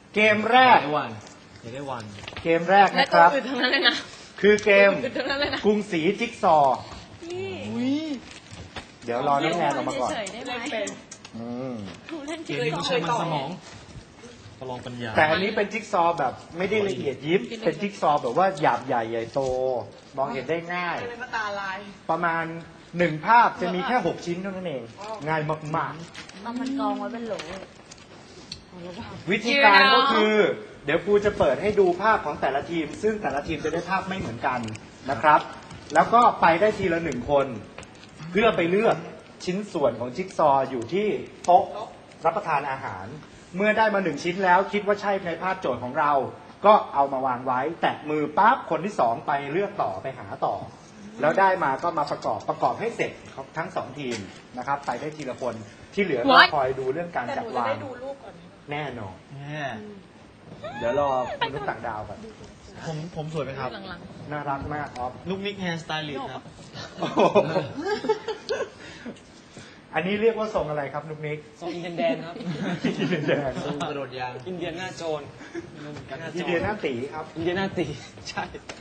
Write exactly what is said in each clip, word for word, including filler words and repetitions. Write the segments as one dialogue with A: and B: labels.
A: เกมแรก
B: ได้วันอยากได้วัน
A: เกมแรกนะครับ
C: และตัวอื่นทั้งนั้นเลยนะ
A: คือเกม
C: ตัวอื่นทั้งนั้นเลยนะ
A: กรุงศรีจิ๊กซอว์เดี๋ยวรอน้องแนนออกมาก่อน
C: เฉยๆได้ไหม
A: อืม
C: เล่น
B: เกมนี้ต้องใช้มันสมองประลองปัญญา
A: แต่อันนี้เป็นจิ๊กซอว์แบบไม่ได้ละเอียดยิบเป็นจิ๊กซอว์แบบว่าหยาบใหญ่ใหญ่โต มองเห็นได้ง่าย
D: ตาลาย
A: ประมาณหนึ่งภาพจะมีแค่หกชิ้นเท่านั้นเอง ง่ายมาก
C: ต้องมันกองไว้เป็นโหล
A: ๆ วิธีการก็คือ เดี๋ยวครูจะเปิดให้ดูภาพของแต่ละทีม ซึ่งแต่ละทีมจะได้ภาพไม่เหมือนกันนะครับ แล้วก็ไปได้ทีละหนึ่งคน เพื่อไปเลือกชิ้นส่วนของจิ๊กซอว์อยู่ที่โต๊ะรับประทานอาหาร เมื่อได้มาหนึ่งชิ้นแล้วคิดว่าใช่ในภาพโจทย์ของเรา ก็เอามาวางไว้ แตะมือปั๊บคนที่สองไปเลือกต่อไปหาต่อ แล้วได้มาก็มาประกอบประกอบให้เสร็จทั้งสองทีมนะครับ ไปได้ทีละคนที่เหลือก็คอยดูเรื่องการ
D: แต่
A: จั
D: ห
A: ด
D: นูจะ
A: วา
D: ได้
A: ง
D: ดูรูปก่อน
A: แน่นอน
B: แน่
A: เดี๋ยวรอมนุษย์ต่างดาวก่อน
B: ผมผมสวยไหมครับ
C: หลัง
A: น่ารักมากออฟ
B: ลูกนิกแฮร์สไตลิสต์ครับ
A: โอ้โหอันนี้เรียกว่าทรงอะไรครับนุกนิก
E: ทรงอินเดียนแดนครับ
A: อินเดียนแดง
B: ทรงกระโดดยาง
E: อินเดียนหน้าโจร
A: อินเดียหน้าตีครับ
E: อินเดียนหน้าตีใช่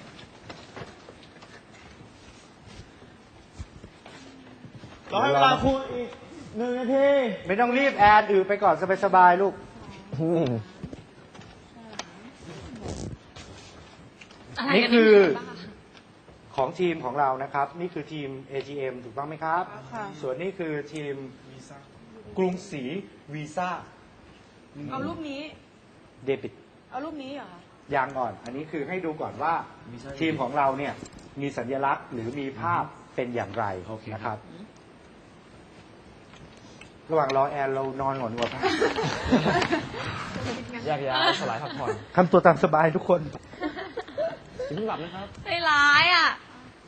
B: รอให้เวลาครูอีกหนึ่งนาที
A: ไม่ต้องรีบแอนอือไปก่อนสบายๆลูก
C: ๆอะไร
A: นี่
C: กัน
A: คือ
C: บ้า
A: ของทีมของเรานะครับ นี่คือทีม เอ ที เอ็ม ถูกต้องไหมครับ
D: ค่ะ
A: ส่วนนี้คือทีมกรุงศรีวีซ่า
D: เอารูปนี้
A: เดบิต
D: เอารูปนี้เหรอคะ
A: ยางก่อน อันนี้คือให้ดูก่อนว่าทีมของเราเนี่ยมีสัญลักษณ์หรือมีภาพเป็นอย่างไรนะครับ ระหว่างรอแอนเรานอนก่อนดีกว่าครับ
E: แยกย้ายสลายพักผ่อน
A: ทำตัวตามสบายทุกคน
E: อย่าเพิ่งหลับนะครับ
C: ใจร้ายอ่ะ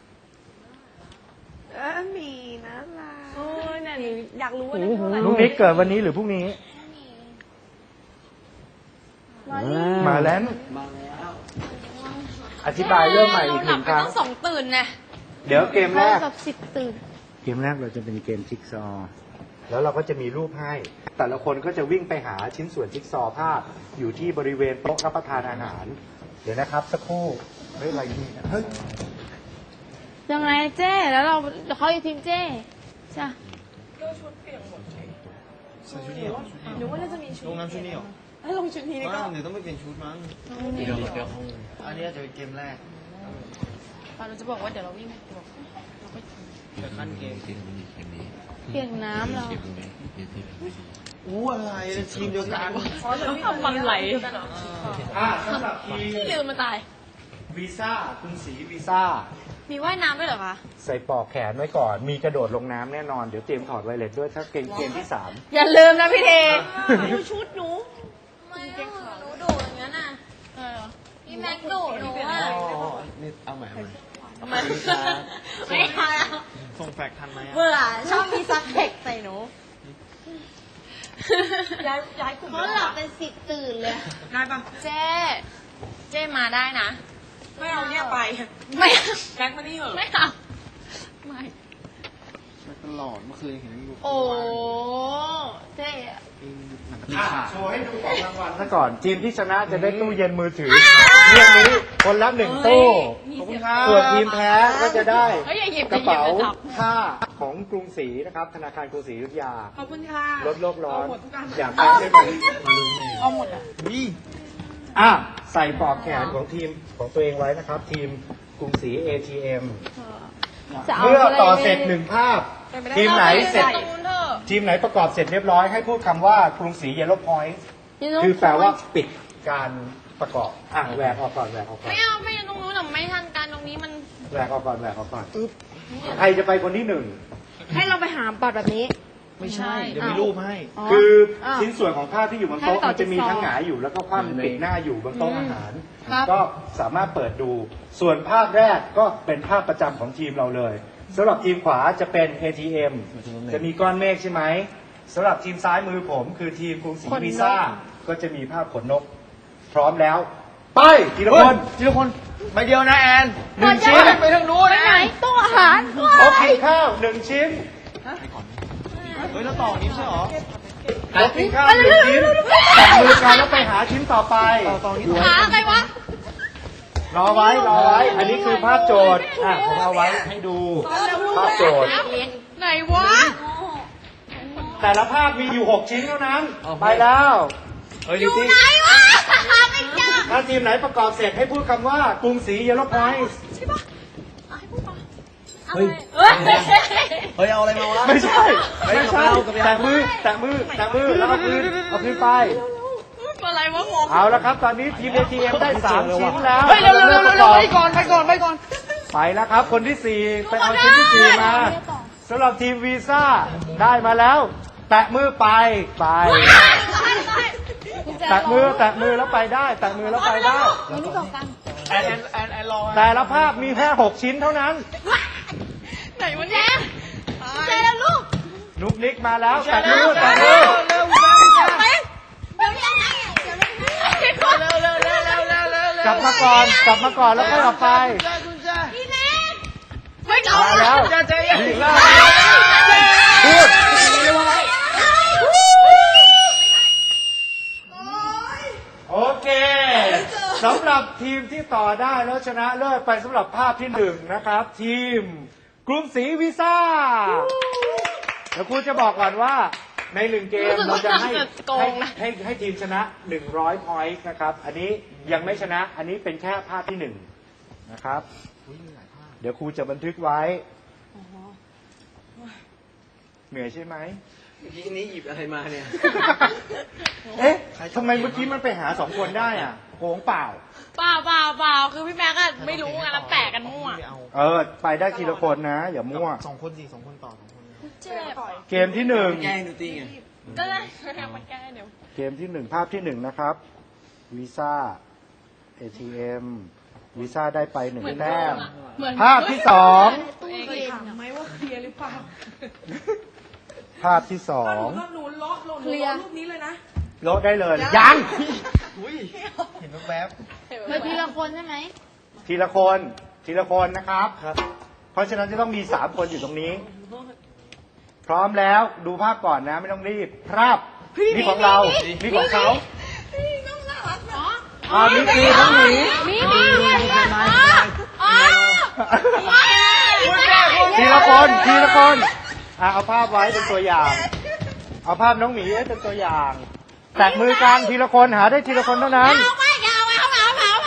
D: เออมีนะล่ะโอ้ยเนี่ยหนูอยากรู้ว่าได้เท่าไหร่
A: ลูกนิกเกิดวันนี้หรือพรุ่งนี้ มาแล้ว อธิบายเรื่องใหม่อีกหนึ่งครั้ง
C: ต้องสองตื่นไง
A: เดี๋ยวเกมแรก
C: กับสิบตื่น
A: เกมแรกเราจะเป็นเกมจิ๊กซอว์แล้วเราก็จะมีรูปให้ แต่ละคนก็จะวิ่งไปหาชิ้นส่วนจิ๊กซอว์ภาพอยู่ที่บริเวณโต๊ะรับประทานอาหาร เดี๋ยวนะครับสักครู่ เฮ้ยอะไรนี่เฮ้ย
C: ยังไงเจ้แล้วเราเขาอยู่ทีมเจ้ใช่
B: ใส่ชุดนี้เหรอ
D: หนูว่าน่าจะมีชุด
B: ลงน้ำชุดนี้เหรอ
D: ให้ลงชุดนี้ดีก
B: ว้า
D: ว่า
B: วเดี๋ยวต้องไปเปลี่ยนชุดมั้งอันนี้อาจจะเป็นเกมแรก
C: เราจะบอกว่าเดี๋ยวเราวิ่งบอกเราไป
B: จะขั้นเกม
C: เปลี่ยนน้ำเรา
B: อู้อะไรเนี่ยทีมเดียวกัน
C: ทำมันไหล
A: อ่าสำหรับทีม
C: ลืมมาตาย
A: วีซ่ากรุงศรีวีซ่า
C: มีว่ายน้ำด้วยเหรอคะ
A: ใส่ปลอกแขนไว้ก่อน มีกระโดดลงน้ำแน่นอน เดี๋ยวเตรียมถอดไวเลสด้วยถ้าเกมเกมที่สาม
C: อย่าลืมนะพี่เท
D: ดูชุดหนู
C: ไม่หนูดุอย่างนั้นน่ะพี่แม็กดุหนูอ่ะ
B: อ๋อนี่เอาใหม่เอาใหม่
C: ทำไมไม่ทันแล้ว
B: ส่งแฟกทันไหมอะ
C: เบื่อชอบมีซักเทคใส่หนู
D: ย้ายย้ายกลุ่ม
C: เขาหลับเป็นสิบตื่นเลย
D: ได้ปะ
C: เจ๊เจ๊มาได้นะ
D: ไม่เอาเนี่ยไป
C: ไม่
D: แบ็คมานี่เหรอ
C: ไม่เอาไม่
B: ตลอดเมื่อคืนเห็นอยู่
C: โอ้เจ๊
B: หนัง
A: อ่ะ
B: ขาด
A: โชว์ให้ดูของรางวัลซะก่อน ทีมที่ชนะจะได้ตู้เย็นมือถือเรื่องนี้คนละหนึ่งตู้
B: ขอบคุณครับ
A: ส่วนทีมแพ้ก็จะได้
C: เฮ้ยอย่าหยิบ
A: กระเป๋า
C: อย่าหยิบอย่าจับ
A: ผ้าของกรุงศรีนะครับ ธนาคารกรุงศรีอยุธยา
D: ขอบคุณค่ะ
A: ลดโลกร้อน
D: เอาหมดทุกอัน
A: อยากได้ใช่ไหม
D: เอาหมดอ่ะ
B: นี่
A: อ่ะใส่ปลอกแขนของทีมของตัวเองไว้นะครับ ทีมกรุงศรี เอ ที เอ็ม
C: จะา
A: เมื่อต่อ
C: อะไร
A: เสร็จหนึ่งภาพ ทีมไหนเสร็จ
C: ตรงนู้นเถอะ
A: ทีมไหนประกอบเสร็จเรียบร้อยให้พูดคำว่ากรุงศรีเยลโล่พอยต์คือแปลว่าปิดการประกอบอ่ะแหวกออกก่อนแหวกออกก่อน
C: ไม่เอาไม่เอาตรงนู้นหรอกไม่ทันการตรงนี้มัน
A: แหวกออกก่อนแหวกออกก่อนใครจะไปคนที่หนึ่ง
D: ให้เราไปหาบัตรแบบนี้
B: ไม่ใช่ เดี๋ยวมีรูปให้
A: คืออ
D: าว
A: ชิ้นส่วนของภาพที่อยู่บนโต๊ะ
D: ให้ไปต่อ
A: มันจะมี
D: จิ๊กซอว์
A: ทั้งหงายอยู่แล้วก็คว่ำปิดหน้าอยู่บนโต๊ะอาหาร
D: ครับ
A: ก็สามารถเปิดดู ส่วนภาพแรกก็เป็นภาพประจำของทีมเราเลยสำหรับทีมขวาจะเป็น เอ ที เอ็ม จะมีก้อนเมฆใช่ไหมสำหรับทีมซ้ายมือผมคือทีมกรุงศรี
D: ขนนก
A: วีซ่าก็จะมีภาพขนนก พร้อมแล้ว ไปทีละคน
B: ทีละคนใบเดียวนะแอน
A: หนึ่งชิ้น
B: ไปทางนู้นนะ
C: ไหนตู้อาหาร
A: โอเคข้าวหนึ่งชิ้น
B: เฮ้ยแล้วต่อนี้ใช่เหรอ
A: ครบกินข้าวหนึ่งชิ้นจับมือกันแล้วไปหาชิ้นต่อไป
C: หาอะไรวะ
A: รอไว้รอไว้ อันนี้คือภาพโจทย์อ่ะผมเอาไว้ให้ดูภาพโจทย์
C: ไหนวะ
A: แต่ละภาพมีอยู่หกชิ้นเท่านั้น ไปแล้ว
E: เฮ้ย
C: อ
E: ลิ
C: ยู่
E: ตี้
C: ไหนวะหาไม่เจอ
A: ถ้าทีมไหนประกอบเสร็จให้พูดคำว่ากรุงศรีเยลโล่พอยต์
C: ใช่ปะอ่ะให้พูดปะ
E: เฮ้ย
C: เฮ้ย
E: เฮ้ย เอาอะไรมาวะ
A: ไม่ใช่
E: ไม่
A: ไม่
E: ใช่
A: ใช่
E: เอากลับไปเอา
A: แตะมือแตะมือแตะมือแล้วเอาคืนเอาคืนไป
C: อะไรวะงง
A: เอาละครับ ตอนนี้ทีม เอ ที เอ็ม ได้สามชิ้นแล้ว
B: เฮ้ยเร็วเร็วเร็วเร็วไปก่อนไปก่อนไปก่อน
A: ไปแล้วครับ คนที่สี่ไปเอาชิ้นที่สี่มาสำหรับทีมวีซ่าได้มาแล้ว แตะมือไปไป แตะมือแตะมือแล้วไปได้ แตะมือแล้วไปได้
B: แอนแอนแอนแอนรอ
A: แต่ละภาพมีแค่หกชิ้นเท่านั้น
C: ไหนวะเนี่ยเจอแล้วลูก
A: นุกนิกมาแล้ว แตะมือแตะมือ
B: เร็ว
C: เดี๋ยวยังไงเดี๋ยวยังไง
B: เร็วเร็วเร็วเร็วเร็วเร็วเร็ว
A: กลับมาก่อน กลับมาก่อนแล้วค่อยออกไป
B: คุณจ้า
C: พี่เน็กไม่เอา
A: มาแล้ว
B: จ้าใจเย็น
A: วีซ่าพูด โอเคสำหรับทีมที่ต่อได้แล้วชนะเลิศไปสำหรับภาพที่หนึ่งนะครับ ทีมกรุงศรีวีซ่าเดี๋ยวครูจะบอกก่อนว่าในหนึ่งเกมเราจะให้ให้ให้ให้ทีมชนะหนึ่งร้อยพอยต์นะครับ อันนี้ยังไม่ชนะ อันนี้เป็นแค่ภาพที่หนึ่งนะครับ เดี๋ยวครูจะบันทึกไว้เหนื่อยใช่ไหม
E: เมื่อกี้นี้หยิบอะไรมาเนี่ย
A: เอ๊ะทำไมเมื่อกี้มันไปหาสองคนได้อ่ะโกงเปล่า
C: เปล่าเปล่าเปล่าคือพี่แม็กก็ไม่รู้ไงแล้วแปะกันมั่ว
A: เออ ไปได้ทีละคนนะ อย่ามั่ว
E: สองคนสิสองคนต่อสองคน
C: เจ็บ
A: เกมที่หนึ่ง
E: แกล้งดูตี้ไง
C: ก็ได้มันแก้เดี๋ยว
A: เกมที่หนึ่งภาพที่หนึ่งนะครับวีซ่า เอ ที เอ็ม วีซ่าได้ไปหนึ่งแต้ม
C: เหมือน
A: ภาพที่สอง
C: เคยถามไหมว่าเคลียร์หรือเปล่า
A: ภาพที่สอง
C: หนูเลาะหนูเลาะรูปนี้เลยนะ
A: โลดได้เลย ยัง
E: เห็นแวบ
C: เธอทีละคนใช่ไหม
A: ทีละคน ทีละคนนะครับ
E: ครับ
A: เพราะฉะนั้นจะต้องมีสามคนอยู่ตรงนี้ พร้อมแล้วดูภาพก่อนนะ ไม่ต้องรีบ ภาพนี่ของเรา นี่ของเขา
C: น้องน่ารักเนาะ
A: อ่านี่คือน้องหมี
C: มีมีมีอ๋ออ๋อ
A: ทีละคน ทีละคน อ่ะเอาภาพไว้เป็นตัวอย่าง เอาภาพน้องหมีไว้เป็นตัวอย่าง แตะมือกันทีละคนหาได้ทีละคนเท่านั้น
C: เอาไปเอาไปเอาไปเอาไปเอาไป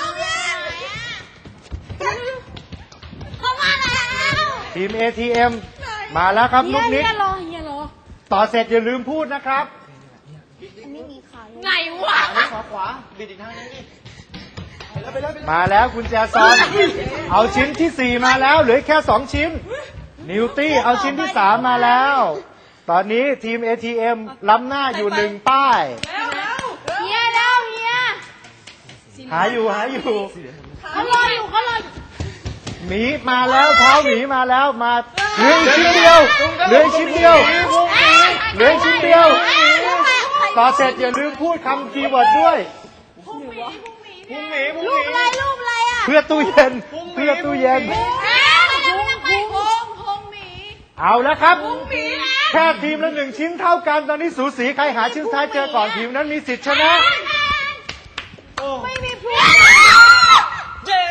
C: เข้ามาแล้ว
A: ทีม เอ ที เอ็ม มาแล้วครับนุกนิก
C: เฮียรอเฮียรอ
A: ต่อเสร็จอย่าลืมพูดนะครับ
C: ไหนวะ
E: ขวาขวาบิดอีกทางนึงนี่ไปแล้วไปแล้วไปแล้ว
A: มาแล้วกุญแจซอน เอาชิ้นที่สี่มาแล้ว เหลือแค่สองชิ้น นิวตี้เอาชิ้นที่สามมาแล้ว ตอนนี้ทีม เอ ที เอ็ม ล้ำหน้าอยู่หนึ่งป้าย
C: เฮียเร็วเฮีย
A: หาอยู่หาอยู่
C: เขารออยู่เขารอ
A: หมีมาแล้วเท้าหมีมาแล้วมาเหลืออีกชิ้นเดียวเหลืออีกชิ้นเดียวเหลืออีกชิ้นเดียว ต่อเสร็จอย่าลืมพูดคำคีย์เวิร์ดด้วย
E: พุ่งหมีพุ่งห
C: รู
E: มี
C: ปอะไรรูปอะไรอ่ะ
A: เพื่อตู้เย็นเพื่อตู้เย็น
C: เอ๊ะไม่ได้ไม่ได้ไปพงพงหมี
A: เอาแล้วครับ
C: หมีนะ
A: แค่ทีมละหนึ่งชิ้นเท่ากันตอนนี้สูสีใครหาชิ้นสุดท้ายเจอก่อนทีมนั้นมีสิทธิ์ชนะ
C: ไม่มีพุง
E: เจ๊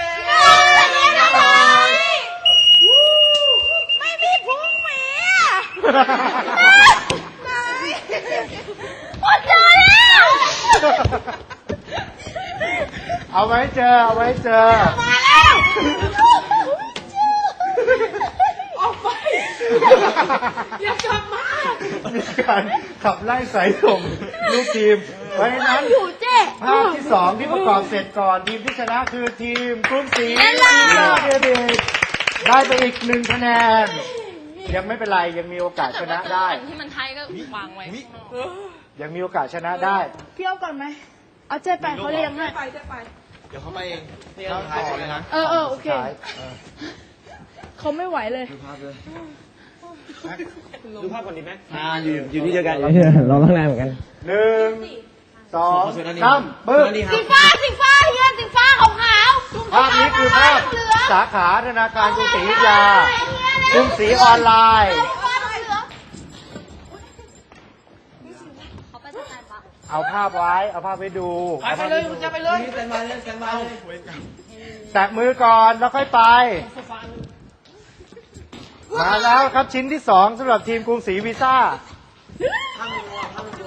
C: ไม่มีพุงหมีอ่ะโอ้เจอแล้ว
A: เอาไว้เจอเอาไว้เจอ
C: มาแล้วออกไปอย่ากลับมา
A: มีการขับไล่สายส่งลูกทีม เพราะฉะนั้น
C: อยู่เจ๊
A: ภาพที่สองที่ประกอบเสร็จก่อนทีมที่ชนะคือทีมกรุงศรี
C: เย้ล่ะ
A: เดวิดได้ไปอีกหนึ่งคะแนน ยังไม่เป็นไรยังมีโอกาสชนะได้
C: ที่มันไทยก็วางไว้
A: ยังมีโอกาสชนะได้
D: พี่เอาก่อนไหม เอาเจ๊ไปเขาเลี้ยงให้
E: เดี๋ยวเขาไปเองนี่เราถ่ายก่อนเลยนะ
D: เออเออโอเค
A: ใช่
D: เขาไม่ไหวเลย
E: ดูภาพเลยดูภาพก่อนดีไหม
B: อ่าอยู่อยู่ที่เดียวกัน
E: เราตั้งนานเหมือนกัน
A: หนึ่งสองสามปึ๊บ
C: สีฟ้าสีฟ้าเฮียสีฟ้าขาวขาว
A: ภาพนี้คือภาพสาขาธนาคารกรุงศรีอยุธยากรุงศรีออนไลน์
C: ฟ้าเหลือง
A: เอาภาพไว้ เอาภาพไว้ดู
B: ไปไปเลยคุณจะไปเลย
E: นี่แซนมาเลยแซนมาเลย
A: แตะมือก่อนแล้วค่อยไป มาแล้วครับชิ้นที่สองสำหรับทีมกรุงศรีวีซ่า
E: ข้างหัว